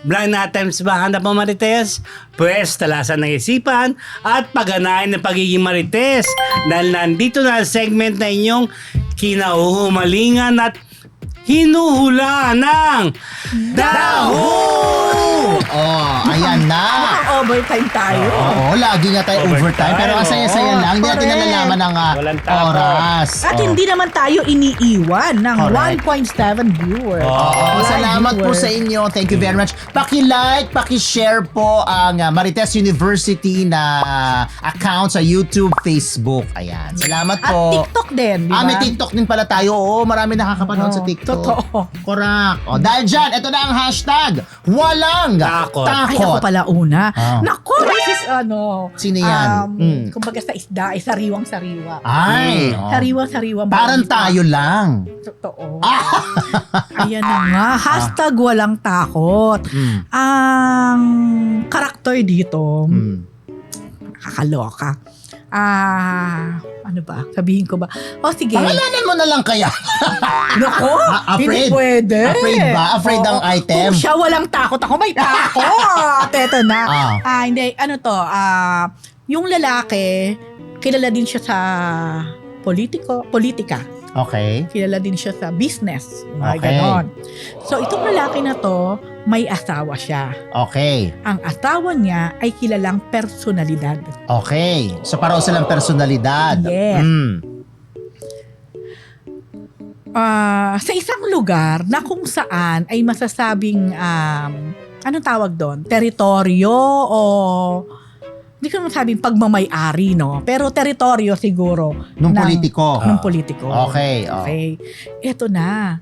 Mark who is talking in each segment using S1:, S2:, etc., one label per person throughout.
S1: Blind items ba hanap mo, Marites? Pwes, talasan ng isipan at pagganahin ng pagiging Marites. Dahil nandito na ang segment na inyong kinahuhumalingan at hinuhula ng Daho!
S2: Ayan na.
S3: Overtime tayo.
S2: Oo, lagi nga tayo overtime. Pero ang saya-saya lang, hindi natin
S3: correct.
S2: nalalaman ang
S1: Walang tapos.
S2: oras.
S3: At hindi naman tayo iniiwan ng
S2: Correct.
S3: 1.7 viewers.
S2: Oo,
S3: Live
S2: salamat po
S3: viewers.
S2: sa inyo. Thank you very much. Paki-like, paki-share po ang Marites University na account sa YouTube, Facebook. Ayan. Salamat
S3: At
S2: po.
S3: TikTok din, di ba?
S2: May TikTok din pala tayo. Oo, marami nakakapanood sa TikTok.
S3: Totoo.
S2: Correct. O, dahil dyan, ito na ang hashtag. Walang
S1: Takot.
S3: Ay, ako pala una.
S2: Ah.
S3: Naku, this is
S2: Sino yan?
S3: Kumbaga sa isda, ay sariwang-sariwa.
S2: Ay.
S3: Sariwang-sariwang.
S2: Parang
S3: balita.
S2: tayo lang.
S3: Totoo. Ayan na nga. Hashtag walang takot. Ang karakter dito, kakaloka. Ano ba? Sabihin ko ba? O sige.
S2: Pangalanan mo na lang kaya.
S3: Nako,
S2: Afraid?
S3: hindi pwede.
S2: Afraid ba? Afraid ang item?
S3: Kung siya walang takot, ako may takot. Eto na. Hindi, ano to, yung lalaki, kilala din siya sa politika.
S2: Okay.
S3: Kilala din siya sa business. Mga
S2: Okay.
S3: ganon. So, itong lalaki na to, may asawa siya.
S2: Okay.
S3: Ang asawa niya ay kilalang personalidad.
S2: Okay. So, pareho silang personalidad.
S3: Yes. Sa isang lugar na kung saan ay masasabing, anong tawag doon? Teritoryo o hindi ko masabing pagmamay-ari, no? Pero teritoryo siguro.
S2: Nung politiko.
S3: Nung politiko.
S2: Okay.
S3: Okay. Ito na.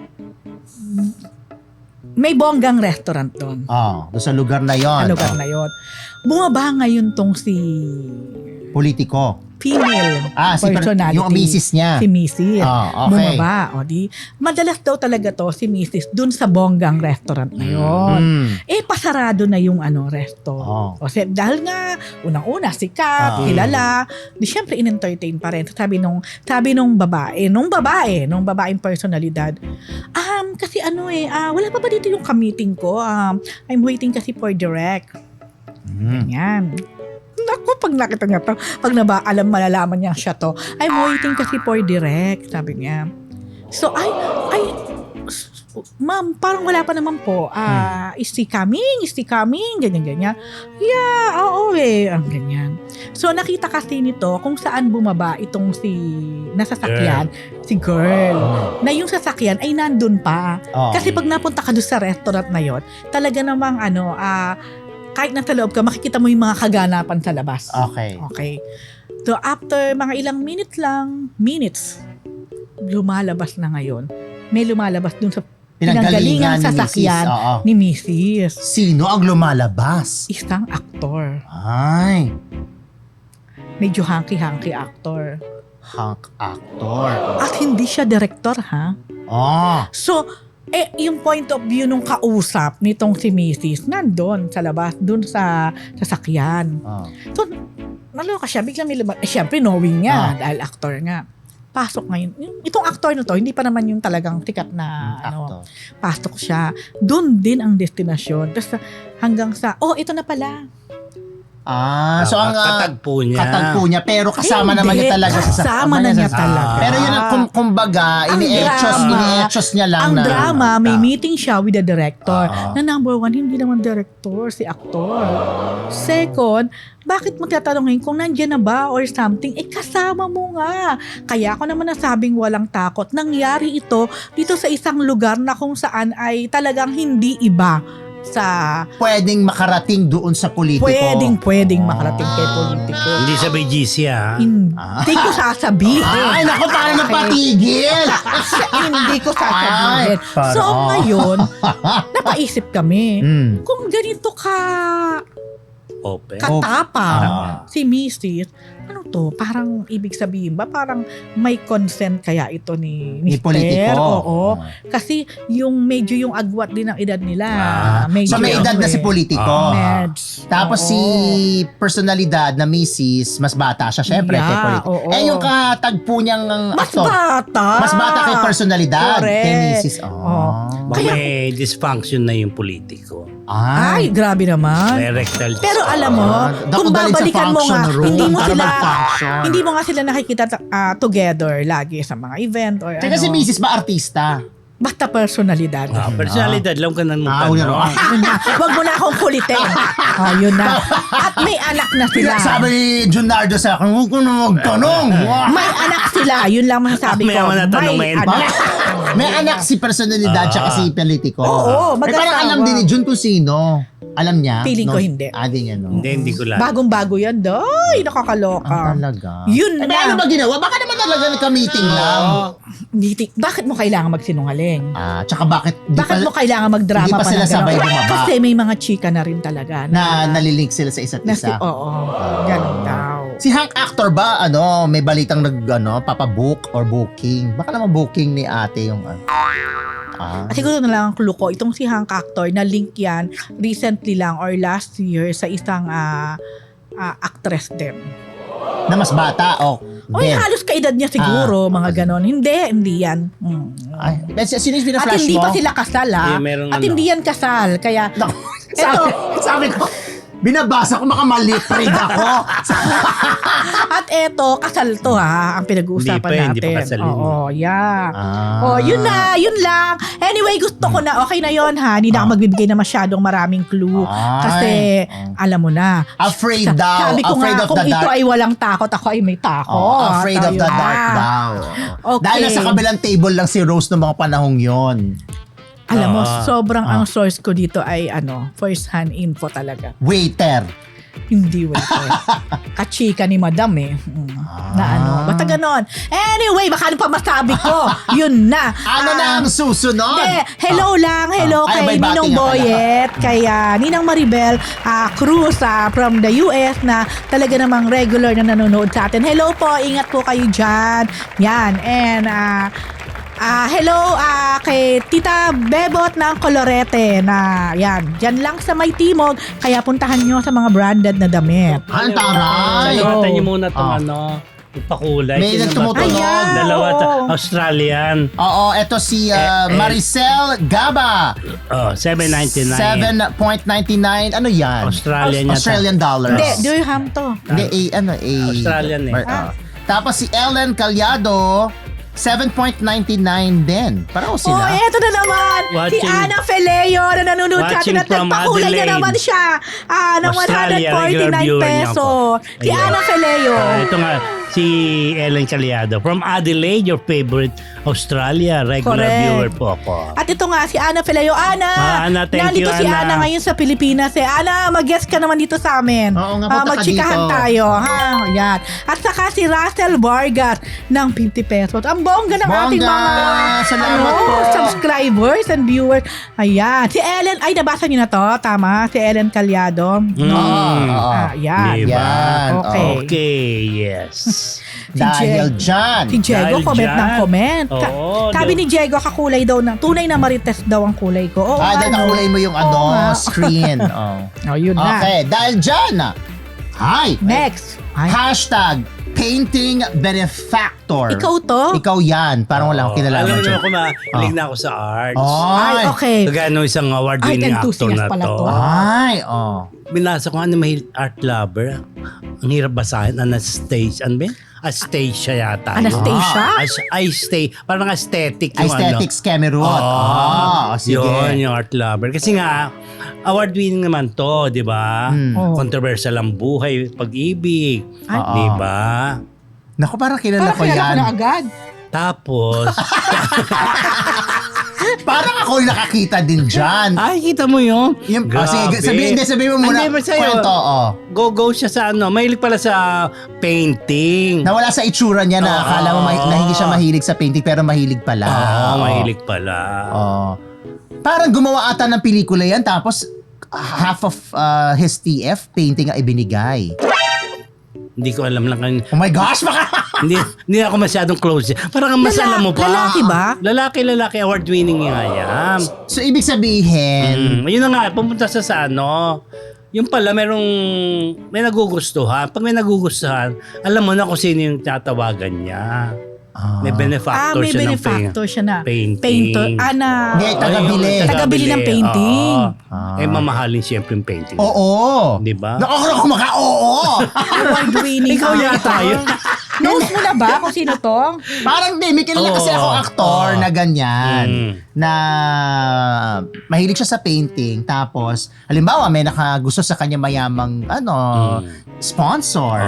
S3: May bonggang restaurant doon.
S2: Doon sa lugar na yon.
S3: Sa lugar na yon. Bumaba ngayon tong si
S2: Politiko.
S3: female
S2: Si
S3: personality.
S2: yung misis niya.
S3: Si Mrs.
S2: Okay.
S3: Bumaba. O di, madalas daw talaga to si Mrs. dun sa bonggang restaurant na yon. Pasarado na yung resto. Kasi dahil nga, unang-una, sikat, kilala, di syempre in-entertain pa rin. Sabi nung babaeng personalidad, kasi wala pa ba dito yung ka-meeting ko? I'm waiting kasi for direct. Ganyan. Naku, pag nakita niya to, pag malalaman niya siya to, I'm waiting kasi for direct, sabi niya. So, ma'am, parang wala pa naman po. Is he coming? Ganyan. Yeah, oo ganyan. So, nakita kasi nito kung saan bumaba itong nasasakyan, si girl. Na yung sasakyan ay nandun pa. Kasi pag napunta ka doon sa restaurant na yon, talaga namang kahit nasa loob ka, makikita mo yung mga kaganapan sa labas. Okay. So, after mga ilang minutes, lumalabas na ngayon. May lumalabas dun sa pinanggalingang sasakyan ni Mrs.
S2: Sino ang lumalabas?
S3: Isang aktor.
S2: Ay.
S3: Medyo hanky-hanky aktor.
S2: Hunk actor.
S3: At hindi siya director, ha? So, yung point of view nung kausap nitong si Mrs. nandun sa labas, dun sa sasakyan. So, naloka siya, biglang may lumabas. Siyempre, knowing niya, dahil actor nga. Pasok ngayon. Itong actor na to, hindi pa naman yung talagang tikat na pasok siya. Doon din ang destinasyon. Tapos hanggang sa, ito na pala.
S2: So ang
S1: katagpo
S2: niya pero kasama naman niya talaga sa
S3: kasama na niya talaga.
S2: Pero yun ang kumbaga ini-etchos niya lang
S3: ang
S2: na
S3: drama, may meeting siya with the director na number one, hindi naman director, si aktor. Second, bakit magtatanongin kung nandiyan na ba or something? Kasama mo nga. Kaya ako naman nasabing walang takot. Nangyari ito dito sa isang lugar na kung saan ay talagang hindi iba sa
S2: pwedeng makarating doon sa politiko.
S3: Pwedeng makarating kay politiko.
S1: Hindi sa BGC,
S3: Hindi ko sasabihin.
S2: Ay, naku, tayo napatigil.
S3: Hindi ko sasabihin. So, ngayon, napaisip kami, kung ganito ka
S1: Open.
S3: katapang.
S2: Ah.
S3: Si Mrs. Ano to? Parang ibig sabihin ba? Parang may consent kaya ito ni
S2: Ni
S3: Mr.
S2: politiko.
S3: Oo. Kasi medyo yung agwat din ang edad nila. Medyo
S2: So may edad na si politiko.
S3: Meds.
S2: Tapos
S3: Oo.
S2: si personalidad na Mrs. mas bata siya syempre kay
S3: Yeah,
S2: politiko.
S3: oo.
S2: Eh yung katagpo niyang
S3: Mas
S2: aktor.
S3: bata.
S2: Mas bata kay personalidad
S3: Correct.
S2: kay Mrs.
S3: Oh.
S1: Baka
S3: Kaya-
S1: may dysfunction na yung politiko.
S3: Ay, grabe naman.
S1: May rectal
S3: Pero alam mo, kung
S2: Dako-dalin sa
S3: babalikan mo nga,
S2: function room
S3: hindi mo
S2: para
S3: sila
S2: mag-function.
S3: hindi mo nga sila nakikita together lagi sa mga event or
S2: Teka, si
S3: ano.
S2: Mrs. ba artista?
S3: Basta personalidad.
S1: Personalidad lang ka nang
S2: yun
S1: magtanong.
S2: na.
S3: Yun na. Huwag mo na akong kulitin. Yun na. At may anak na sila.
S2: Sabi ni Junardo sa akin, huwag ko na magtanong.
S3: May anak sila. Yun lang masasabi ko.
S1: May mga natanong
S3: May
S1: ngayon.
S3: anak.
S2: May anak si personalidad tsaka si politiko.
S3: Oo,
S2: Eh, parang
S3: mag-asawa.
S2: alam din ni Jun kung sino. Alam niya?
S3: Feeling ko hindi.
S2: Di niya, no?
S1: Hindi ko lang.
S3: Bagong-bago yan. Ay, nakakaloka.
S2: Talaga.
S3: Yun
S2: Eh,
S3: na.
S2: ano ba ginawa? Baka naman talaga nagka-meeting lang.
S3: Bakit mo kailangan magsinungaling?
S2: Tsaka bakit
S3: Bakit mo kailangan magdrama
S2: hindi pa sila
S3: ng ganon?
S2: sabay bumaba?
S3: Kasi may mga chika na rin talaga.
S2: na nalilink sila sa isa't isa?
S3: Oo, ganun daw.
S2: Si Hank Actor ba, may balitang papabook or booking? Baka naman booking ni ate yung
S3: At siguro na lang ang clue ko, itong si Hank Actor, na link yan recently lang or last year sa isang actress din.
S2: na mas bata
S3: Oy, halos kaedad niya siguro, mga ganon. Hindi yan.
S2: Ay, sino yung
S3: At
S2: pina-flash
S3: hindi
S2: mo?
S3: pa sila kasal, ha?
S1: Eh, merong
S3: At
S1: ano.
S3: hindi yan kasal, kaya...
S2: Naku,
S3: Eto.
S2: sabi ko, binabasa ko makamalipreg ako.
S3: At eto, kasal to, ha? Ang pinag-uusapan
S1: Hindi pa
S3: natin.
S1: kasal yun.
S3: Oo, yeah.
S2: Ah.
S3: Yun na, yun lang. Anyway, gusto ko na, okay na yon ha? Hindi na ako magbibigay na masyadong maraming clue.
S2: Ay.
S3: Kasi, alam mo na.
S2: Afraid daw.
S3: Sabi ko
S2: Afraid
S3: nga,
S2: of
S3: kung
S2: the
S3: ito
S2: dark.
S3: ay walang takot, ako ay may takot.
S2: Afraid of the
S3: Ayun
S2: dark
S3: na.
S2: daw.
S3: Okay.
S2: Dahil nasa kabilang table lang si Rose noong mga panahong yon.
S3: Alam mo,
S1: Ah.
S3: sobrang ang source ko dito ay first hand info talaga.
S2: Waiter.
S3: Hindi waiter. Kachika ni madam na basta ganon. Anyway, baka ano pa masabi ko? Yun na.
S2: Ano na ang susunod?
S3: Hello lang. Hello
S2: Ay,
S3: kay
S2: may bati
S3: Ninong
S2: nga pala.
S3: Boyet, kay Ninang Maribel Cruz from the US na talaga namang regular na nanonood sa atin. Hello po, ingat po kayo dyan. Yan. And hello kay Tita Bebot ng Colorete na yan. Diyan lang sa may timog. Kaya puntahan nyo sa mga branded na damit.
S2: Ang taray.
S1: Salamatan niyo muna itong
S2: Ah.
S1: yung pakulay.
S2: May
S1: Sino
S2: nagtumutunog.
S1: ba to?
S3: Ayan,
S1: Dalawa,
S3: oo.
S1: Australian.
S2: Oo, eto si Maricel Gaba.
S1: 7.99.
S2: 7.99. Ano yan?
S1: Australian yata.
S2: Australian dollars.
S3: Hindi, Durham to.
S2: Hindi,
S1: Australian eh.
S2: Tapos si Ellen Calyado, 7.99 din. Parang sila.
S3: Eto na naman. Si
S1: Watching-
S3: Ana Feleo na nanonood sa atin
S1: Watching
S3: at
S1: from
S3: nagpakulay na
S1: Adelaide.
S3: naman siya ng
S1: Australia,
S3: 149
S1: regular viewer niya
S3: peso.
S1: ako.
S3: Si
S1: Ayun.
S3: Ana Feleo.
S1: Ito nga, si Ellen Caliado. From Adelaide, your favorite Australia. Regular
S3: Correct.
S1: viewer po ako.
S3: At ito nga, si Ana Feleo. Ana,
S1: Ana, thank
S3: nandito
S1: you,
S3: si
S1: Ana.
S3: Ana ngayon sa Pilipinas. Ana, mag-guest ka naman dito sa amin.
S2: Oo nga, punta ka
S3: Magchikahan
S2: dito.
S3: tayo. Ha? Yan. At saka si Russell Vargas ng 50 pesos. Ang bongga ng
S2: Bongga!
S3: ating mga
S2: Salamat po.
S3: subscribers and viewers. Ayan. Si Ellen, ay nabasa niyo na to. Tama. Si Ellen Calyado. Yan.
S1: Diba?
S2: Yan.
S3: Okay.
S1: Okay, yes.
S2: Dahil dyan.
S3: Si Diego,
S1: Dahil
S3: comment
S1: dyan.
S3: ng comment.
S1: Oo,
S3: Sabi ni Diego, kakulay daw ng, tunay na marites daw ang kulay ko. Oo,
S2: Dahil nakulay mo yung
S3: Oo nga.
S2: screen. Oh.
S3: Yun na.
S2: Okay, dahil dyan. Hi.
S3: Next. Ay,
S2: Hashtag painting benefactor.
S3: ikaw to?
S2: Ikaw yan. Parang wala akong kinalaman
S1: Alam mo
S2: dyan.
S1: ako, mahilig na ako sa arts.
S3: Ay,
S2: Ay,
S3: okay.
S1: Kagaya nung isang award-winning
S3: Art
S1: actor
S3: enthusiast
S1: na
S3: pala
S1: to.
S3: to.
S2: Ay,
S1: Binasa ko art lover. Ang hirap basahin. Anastasia. Ano ba yun? Astasia yata. yun.
S3: Anastasia?
S1: Parang aesthetic yung
S2: Aesthetics Cameroon. Sige.
S1: Yun, yung art lover. Kasi nga, award-winning naman to, di ba?
S3: Oh.
S1: Controversial ang buhay, pag-ibig.
S3: Ay.
S1: Di ba?
S2: Naku, parang kilala
S3: Parang
S2: ko
S3: kilala
S2: yan.
S3: ko na agad.
S1: Tapos,
S2: Parang ako yung nakakita din dyan.
S1: ay, kita mo yun?
S2: Sige, sabihin mo muna.
S1: Hindi ba sa'yo?
S2: Kwento,
S1: Go siya sa mahilig pala sa painting.
S2: Nawala sa itsura niya na akala mo na hindi siya mahilig sa painting pero mahilig pala.
S1: Oo, mahilig pala.
S2: Parang gumawa ata ng pelikula yan tapos half of his TF painting ang ibinigay.
S1: Hindi ko alam lang.
S2: Oh my gosh, baka...
S1: hindi ako masyadong close. Parang mas alam mo pa.
S3: Lalaki ba?
S1: Lalaki, award-winning nga yan.
S2: So, ibig sabihin,
S1: Yun na nga, pumunta sa ano. Yung pala, may nagugustuhan. Pag may nagugustuhan, alam mo na kung sino yung tatawagan niya. May benefactor
S3: may
S1: siya
S3: benefactor siya na.
S1: painting.
S3: Painter.
S2: Hindi, tagabili.
S3: Tagabili ng painting.
S1: Oo. Mamahalin siyempre yung painting.
S2: oo.
S1: Di ba?
S2: Nakakala ko oo.
S3: Award-winning.
S1: Ikaw yata yun.
S3: Knows mo na ba kung sino to?
S2: Parang may kilala kasi ako aktor na ganyan. Na mahilig siya sa painting. Tapos, halimbawa, may nakagusto sa kanya mayamang sponsor.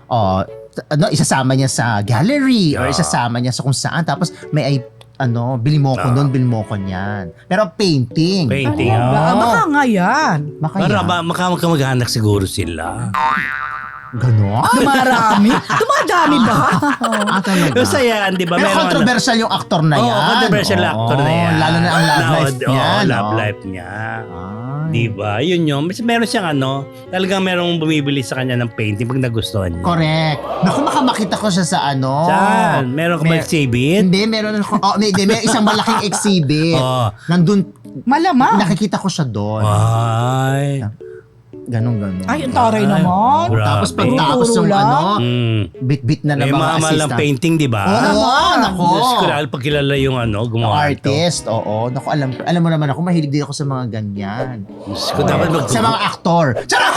S2: Isasama niya sa gallery or isasama niya sa kung saan. Tapos, may bili mo ko doon, bili mo ko niyan. Pero painting.
S1: Painting.
S3: Baka nga yan.
S1: Para magkamag-anak siguro sila.
S2: Ganon?
S3: Dumarami. Dumadami ba?
S2: Talaga.
S1: Kasi yan, di ba?
S2: Pero controversial yung aktor na yan.
S1: Controversial actor na yan.
S2: Lalo na ang love life niya.
S1: Love life niya. Di ba? Yun yun. Meron siyang talagang merong bumibili sa kanya ng painting pag nagustuhan niya.
S2: Correct. Naku, makita ko siya sa
S1: Saan? Meron ka ba exhibit?
S2: Hindi, meron ako. May isang malaking exhibit. Nandun,
S3: Malamang.
S2: nakikita ko siya doon.
S1: Ay.
S2: Ganon.
S3: Ay, ang taray naman.
S1: Grabe.
S2: Tapos pagtapos yung bit-bit na ng mga
S1: Mahal ng
S2: assistant.
S1: painting, di ba?
S2: Oo, nako.
S1: Diyos ko, lalo pag kilala yung gumawa ito.
S2: Artist, oo. Naku, alam mo naman ako, mahilig din ako sa mga ganyan.
S1: Diyos ko, dapat
S2: Sa mga aktor. Charot!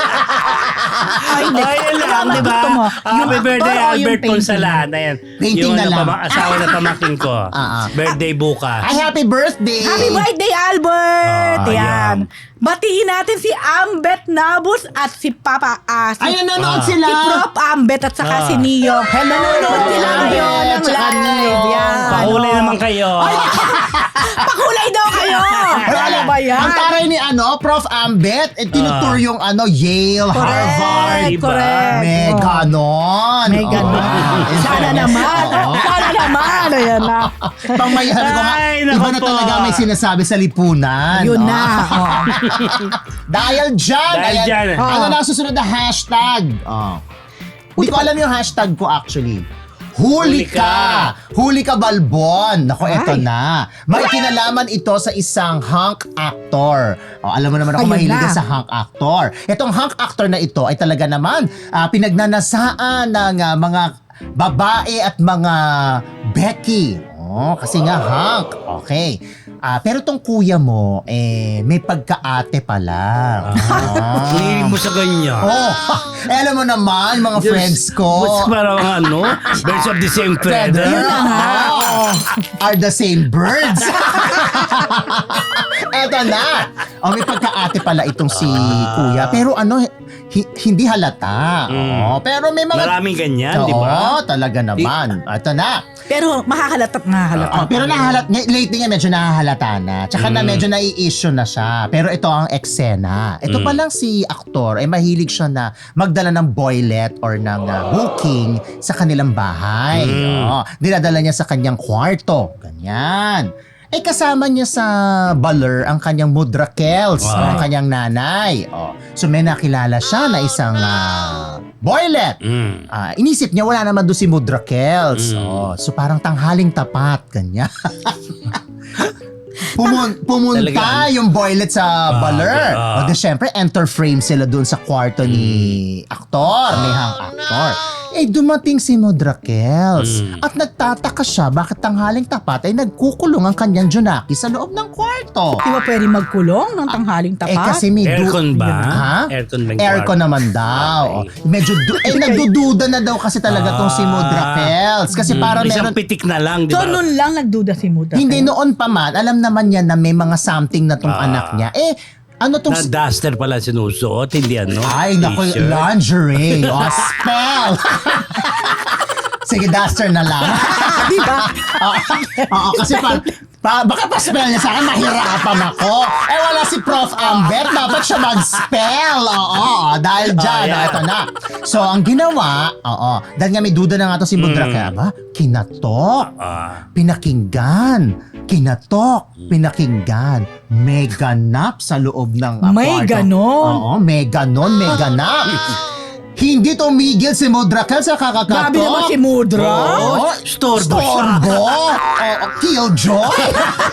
S3: Ay,
S1: Ayun lang, di ba?
S3: Gusto mo?
S1: Happy birthday,
S3: actor o yung
S1: Albert
S3: painting?
S1: Ponsalana. Yan.
S2: Painting
S1: yung
S2: na lang.
S1: Asawa na pamakin ko. Birthday bukas.
S2: Ay, happy birthday!
S3: Happy birthday, Albert!
S1: Yan.
S3: Yan. Batiin natin si Ambet Nabus at si Papa si,
S2: Ay, nanonood sila!
S3: si Prof. Ambet at saka si Neo.
S2: Hello,
S3: Nanonood sila
S2: Ambet
S3: ngayon ng
S2: at saka
S3: live.
S2: Neo.
S3: Yan.
S1: Pakulay naman kayo.
S3: Pakulay daw kayo! Ano ba yan?
S2: Ang taray ni Prof. Ambet, tinutour yung Yale, Harvard.
S1: diba?
S3: Correct.
S2: May ganon.
S3: May ganon.
S2: Oo.
S3: Sana naman.
S2: Oo.
S3: Sana naman. Ayan na.
S2: Pangmayahan ko nga,
S1: Ay, naku
S2: iba na
S1: po.
S2: talaga may sinasabi sa lipunan.
S3: Yun
S2: Oh.
S3: na. Oh.
S2: Dahil dyan.
S1: Dahil
S2: ayan.
S1: dyan.
S2: Ano na ang susunod na hashtag? Hindi ko alam yung hashtag ko actually. Huli ka! Huli ka, Balbon! Naku, eto
S3: Ay.
S2: na. May kinalaman ito sa isang hunk actor. Alam mo naman ako
S3: Ayun
S2: mahilig
S3: na.
S2: sa hunk actor. Itong hunk actor na ito ay talaga naman pinagnanasaan ng mga babae at mga Becky. Kasi nga hunk. Okay. Pero tong kuya mo, may pagkaate pala.
S1: Hilig mo sa ganyan.
S2: Alam mo naman, mga
S1: Diyos,
S2: friends ko.
S1: What's parang birds of the same feather.
S2: Yun na nga. Are the same birds. Eto na. May pagkaate pala itong si kuya. Pero hindi halata. Pero may mga...
S1: Maraming ganyan, di ba?
S2: Talaga naman. Eto na.
S3: Pero makakalat at
S2: Pero lately nga medyo nahahalata na. Tsaka na medyo nai-issue na siya. Pero ito ang eksena. Ito pa lang si aktor, mahilig siya na magdala ng boylet or ng booking sa kanilang bahay. Dinadala niya sa kanyang kwarto. Ganyan. Kasama niya sa baler ang kanyang mudrakels, ang kanyang nanay. So may nakilala siya na isang boylet. Inisip niya wala naman doon si mudrakels. So parang tanghaling tapat, ganyan. Pumunta
S1: Talaga.
S2: yung boylet sa baler. Di syempre, enter frame sila doon sa kwarto ni aktor, ni hang aktor. Dumating si Modrakels at nagtataka siya bakit tanghaling tapat ay nagkukulong ang kanyang Junaki sa loob ng kwarto.
S3: Di ba pwede magkulong ng tanghaling tapat?
S2: Kasi may
S1: Aircon ba?
S2: Ha?
S1: Aircon ba yung
S2: Aircon
S1: kwarto?
S2: naman daw. Medyo nagdududa na daw kasi talaga tong si Modrakels. Kasi para
S1: Isang
S2: meron...
S1: pitik na lang, di
S3: So,
S1: ba?
S3: nun lang nagduda si Muda.
S2: Hindi noon pa man, alam naman niya na may mga something na tong anak niya. Ano tong...
S1: Na duster pala sinusuot, hindi
S2: Ay, naku,
S1: t-shirt.
S2: lingerie. Spell! Sige, duster na lang.
S3: Di ba?
S2: Oo, kasi baka pa-spell niya sa akin, mahirapan ako. Wala si Prof. Ambet, dapat siya mag-spell. Oo, dahil dyan, ito na. So, ang ginawa, dahil nga may duda na nga to si Mudra, kaya ba? Kinatok, pinakinggan, kinatok, pinakinggan, may ganap sa loob ng
S3: May
S2: kwarto.
S3: ganon.
S2: Oo, may ganon, may ganap. Hindi tumigil si Mudrakel sa kakakatok.
S3: Grabe naman si Mudra.
S2: Oo,
S1: Storbo siya.
S2: Storbo. Killjoy.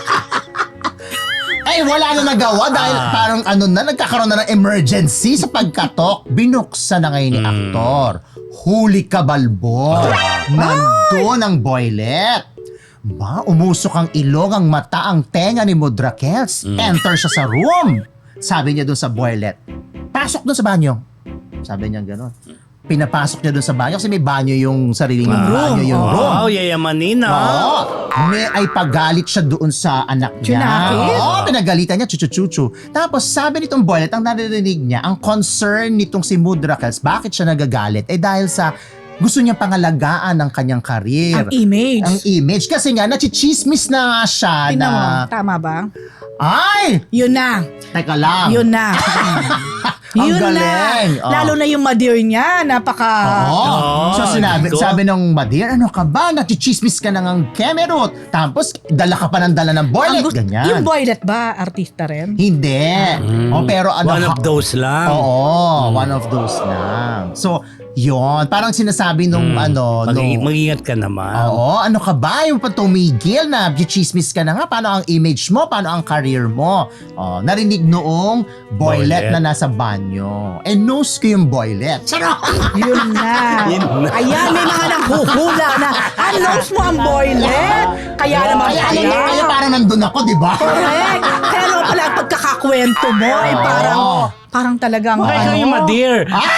S2: Ay, wala na nagawa dahil parang nagkakaroon na ng emergency sa pagkatok. Binuksan na ngayon ni aktor. Huli ka, balbon. Nandun ang boylet. Umusok ang ilong, ang mata, ang tenga ni Mudrakels. Enter siya sa room. Sabi niya doon sa boylet, pasok doon sa banyo. Sabi niya gano'n. Pinapasok niya doon sa banyo kasi may banyo yung sariling banyo yung room.
S1: Wow, yayamanin na.
S2: Oo. May ay pagalit siya doon sa anak niya.
S3: Tsunaki?
S2: Oo, pinagalitan niya, chuchu-chuchu. Tapos sabi nitong boylet, ang naririnig niya, ang concern nitong si Mudrakels, bakit siya nagagalit? Dahil sa gusto niya pangalagaan ang kanyang karir.
S3: Ang image.
S2: Ang image. Kasi nga, nachichismis na nga siya
S3: Tingnan mo,
S2: na...
S3: tama ba?
S2: Ay!
S3: Yun na.
S2: Teka lang.
S3: Yun na.
S2: Ang
S3: Yun
S2: galing.
S3: na. Lalo na yung madir niya, napaka...
S2: Oo. So
S1: Diyos ko.
S2: sabi ng Madir, ano ka ba? Nachichismis ka na ng Kemerut. Tapos dala ka pa ng dala ng boylet. Ganyan.
S3: Yung boylet ba, artista rin?
S2: Hindi. Pero
S1: One of those lang.
S2: Oo, one of those lang. So, yon parang sinasabi nung
S1: Mag-ingat ka naman.
S2: Oo, ano ka ba? Yung patumigil na chismis ka na nga. Paano ang image mo? Paano ang career mo? Narinig noong boylet na nasa banyo. Nose ko yung boylet. Charot!
S3: Yun na.
S1: Yun na.
S3: Ayan, may mga nanghuhula na. Announce mo ang boylet. Kaya naman
S2: Kaya parang nandun ako, di ba?
S3: Correct. Pero pala ang pagkakakwento mo ay parang talagang
S1: Bakit kayo yung madir?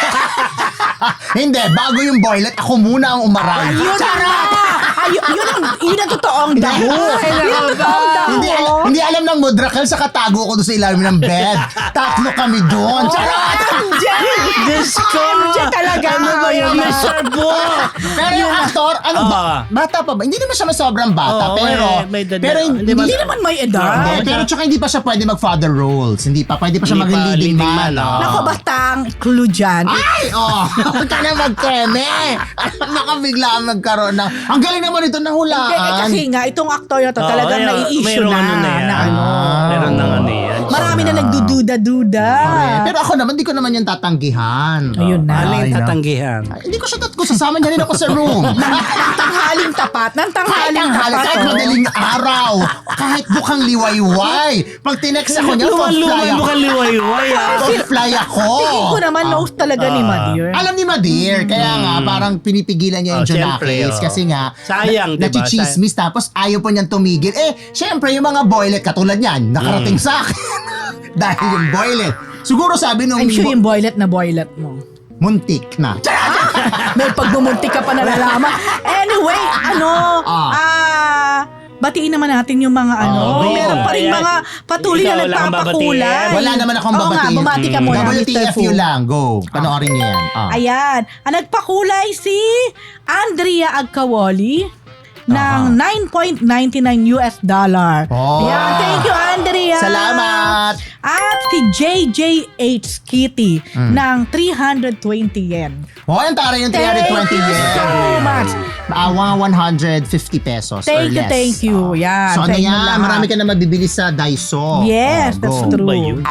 S2: Hindi, bago yung boylet, ako muna ang umaray.
S3: Ayun na! Yun ang totoong daho. Yun ang totoong daho.
S2: Hindi alam ng Mudrakel sa katago ko doon sa ilalim ng bed. Tatlo kami doon. Charot!
S3: MJ!
S1: Diyos ko!
S3: MJ talaga.
S1: Ano ba yun? Mr. Bo!
S2: Pero yung aktor, bata pa ba? Hindi naman siya sobrang bata,
S1: Oo,
S2: pero
S1: may edad
S2: pero
S1: na.
S3: Hindi naman may edad.
S2: Hindi, pero tsaka hindi pa siya pwede mag-father roles. Hindi pa. Pwede pa siya
S1: Hindi
S2: maging
S1: pa,
S2: leading
S1: leading
S2: man.
S1: man, oo.
S3: Nako, basta ang clue dyan.
S2: Ay! Huwag ka na magkeme! Nakabigla ang nagkaroon ng... Ang galing naman ito nahulaan.
S3: Kasi nga, itong aktor na to talagang nai-issue
S1: mayroong
S3: na.
S1: ano na yan.
S3: Na ano.
S1: Meron ng ano yan.
S3: Marami na nagdududa-duda.
S2: Pero ako naman, di ko naman yung tatanggihan.
S3: Ayun na.
S1: Ano yung
S2: Ay, na.
S1: tatanggihan?
S2: Ay, hindi ko siya kung sasama niya rin ako sa room.
S3: Nang tanghaling tapat. Nang tanghaling tapat.
S2: Kahit madaling araw. Kahit bukang liwayway. Pag tinext ako niya, fly
S1: Luman
S2: ako.
S1: mo ka liwayway ah.
S2: Fly ako.
S3: Tingin ko naman nose talaga ni Madir.
S2: Alam ni Madir, kaya nga parang pinipigilan niya yung
S1: Siyempre,
S2: Junakis kasi nga
S1: sayang, diba?
S2: nachichismis tapos ayaw po niyang tumigil. Siyempre yung mga boylet katulad niyan, nakarating sa akin. Dahil yung boylet. Siguro sabi nung
S3: I'm sure yung boylet na boylet mo.
S2: muntik na.
S3: May pagbumuntik ka pa nalalaman. Anyway, batiin naman natin yung mga meron pa rin
S1: Ayan.
S3: mga patuloy
S1: Ikaw,
S3: na
S1: wala kang
S3: nagpapakulay.
S1: babatiin?
S2: Wala naman akong
S3: Oo nga,
S2: babatiin.
S3: bumati ka muna, Mr.
S2: WTFU
S3: Fu.
S2: lang, go. Panoorin niyo yan.
S3: Ayan, ang nagpakulay si Andrea Agkawoli ng $9.99.
S2: Oh.
S3: Ayan, thank you, Andrea.
S2: Salamat!
S3: At si JJH Kitty ng 320 yen.
S2: Ang tara yung 320
S3: Thank you
S2: yen.
S3: so much.
S2: 150 pesos or
S3: Thank you,
S2: less.
S3: thank you. Yan,
S2: So
S3: sa
S2: ano
S3: inyo
S2: yan?
S3: lahat.
S2: Marami ka na mabibili sa Daiso.
S3: Yes,
S2: Go.
S3: that's
S1: Ano
S3: true.
S1: ba yun?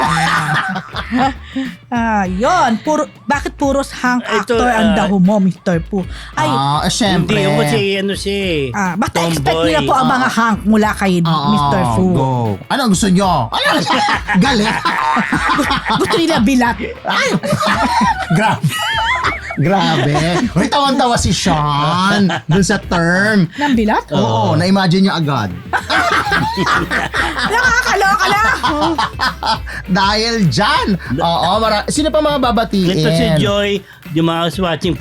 S3: Yun, bakit puros hang
S1: Ito,
S3: actor ang daho mo, Mr. Fu? Ay,
S2: Syempre.
S1: Hindi yung kasi ano siya eh.
S3: basta expect
S1: tomboy.
S3: nila po ang mga hank mula kay Mr. Fu.
S2: Go. Ano ang gusto nyo? Ano? Galit?
S3: Gusto nila bilat.
S2: Ay! Grabe. Grabe. Uy, tawan-tawa si Sean dun sa term.
S3: Ng bilat?
S2: Oo, na-imagine nyo agad.
S3: Nakakaloka na.
S2: Dahil dyan. Oo, sino pa mga babatiin?
S1: Ito si Joy Jumaos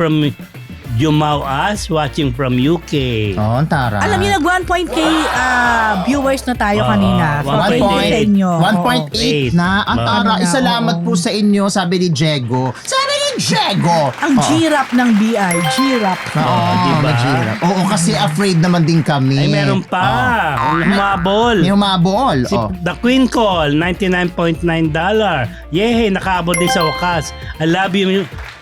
S1: watching from UK.
S2: Oo, ang tara.
S3: Alam niyo, nag 1.k viewers na tayo kanina. So,
S1: 1.8.
S3: thank you sa inyo.
S2: 1.8 na. Ang tara,
S1: Oo.
S2: salamat po sa inyo, sabi ni Diego. Sabi ni Diego!
S3: Ang G-Rap ng BI. G-Rap.
S2: Oo,
S1: diba?
S2: Majira. Oo, kasi afraid naman din kami.
S1: Ay, meron pa. Humabol.
S2: May humabol.
S1: Si The Queen Call, $99.9. Yehe, nakaabot din sa wakas. I love you,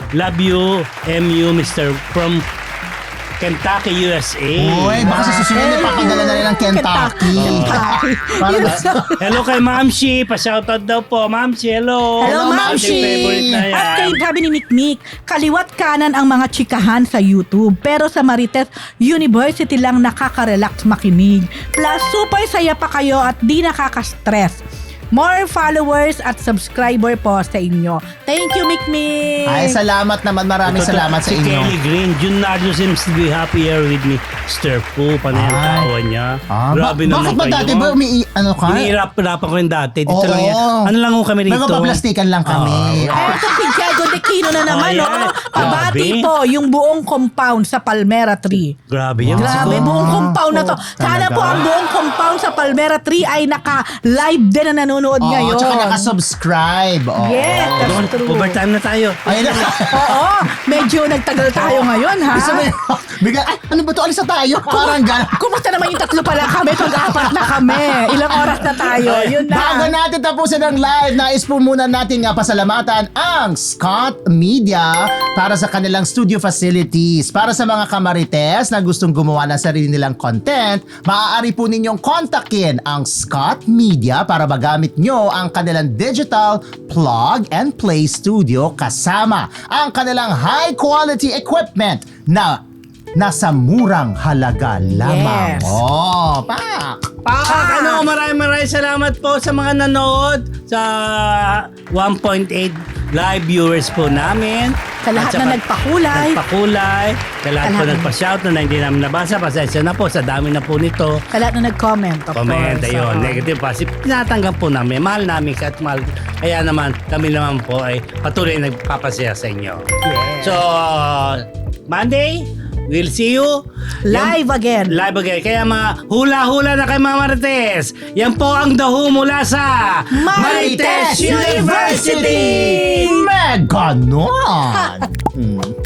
S1: MU, Mr. from Kentucky, USA.
S2: Uy, baka sa susunod ipapadala na rin ng Kentucky. Parang
S1: Hello kay Ma'am Shi. Pa-shoutout daw po. Ma'am Shi, hello.
S3: Hello,
S2: Ma'am
S3: Ma'am
S2: Shi.
S1: Favorite na yan.
S3: At kay sabi ni Mikmik, kaliwat kanan ang mga chikahan sa YouTube. Pero sa Marites University lang nakaka-relax makinig. Plus, super saya pa kayo at di nakaka-stress. More followers at subscriber po sa inyo. Thank you, Mikmik.
S2: Ay, salamat naman. Maraming
S1: Ito,
S2: salamat sa
S1: si
S2: inyo.
S1: Kelly Green, June Nardo seems to be happier with me. Stir po, panay ang
S2: Ay.
S1: tawa niya. Grabe
S2: bakit
S1: naman
S2: ba
S1: kayo.
S2: dati ba ano ka?
S1: Inihirap-hirapan ko rin dati. Dito
S2: Oo.
S1: lang yan. Ano lang ho kami rito?
S2: Magpaplastikan lang kami.
S3: Eto si Diego De Quino na naman,
S1: Oh,
S3: no?
S1: yan.
S3: Pabati
S1: Grabe.
S3: po yung buong compound sa Palmera Tree.
S1: Grabe yan.
S3: Grabe,
S1: Siguro.
S3: buong compound na to. Sana
S2: Talaga.
S3: po ang buong compound sa Palmera Tree ay naka-live din na nanonood
S2: Oo,
S3: ngayon.
S2: tsaka nakasubscribe. Oo.
S3: Yes, that's
S1: Doon,
S3: true.
S1: overtime na tayo.
S2: Ayun na.
S3: Oo, medyo nagtagal tayo ngayon, ha?
S2: Isa ba yun? Bigla, ay, ano ba to? Alis na tayo. Parang gano'n.
S3: Kumusta naman yung tatlo pala kami? Pag-apat na kami. Ilang oras na tayo? Yun na.
S2: Bago natin tapusin ang live, nais po muna natin nga pasalamatan ang Scott Media para sa kanilang studio facilities. Para sa mga kamarites na gustong gumawa ng sarili nilang content, maaari po ninyong kontakin ang Scott Media para magamit nyo ang kanilang digital plug and play studio kasama ang kanilang high quality equipment na nasa murang halaga lamang.
S3: Yes.
S2: Oh, pak!
S1: Maraming salamat po sa mga nanood sa 1.8 live viewers po namin.
S3: Sa lahat
S1: At saka
S3: na nagpakulay.
S1: Sa lahat po
S3: Sa lahat.
S1: nagpa-shout na hindi namin nabasa. Pasensya na po, sa dami na po nito.
S3: Sa lahat na nag-comment, of
S1: Comment,
S3: course.
S1: ayun,
S3: Oo.
S1: negative, positive. Tinatanggap po namin. Mahal namin siya at mahal. Kaya naman, kami naman po ay patuloy nagpapasaya sa inyo.
S3: Yes.
S1: So, Monday, we'll see you.
S3: Live again.
S1: Live again. Kaya mga hula-hula na kay Mama Marites. Yan po ang daho mula sa
S3: Marites University!
S2: Mega ganon!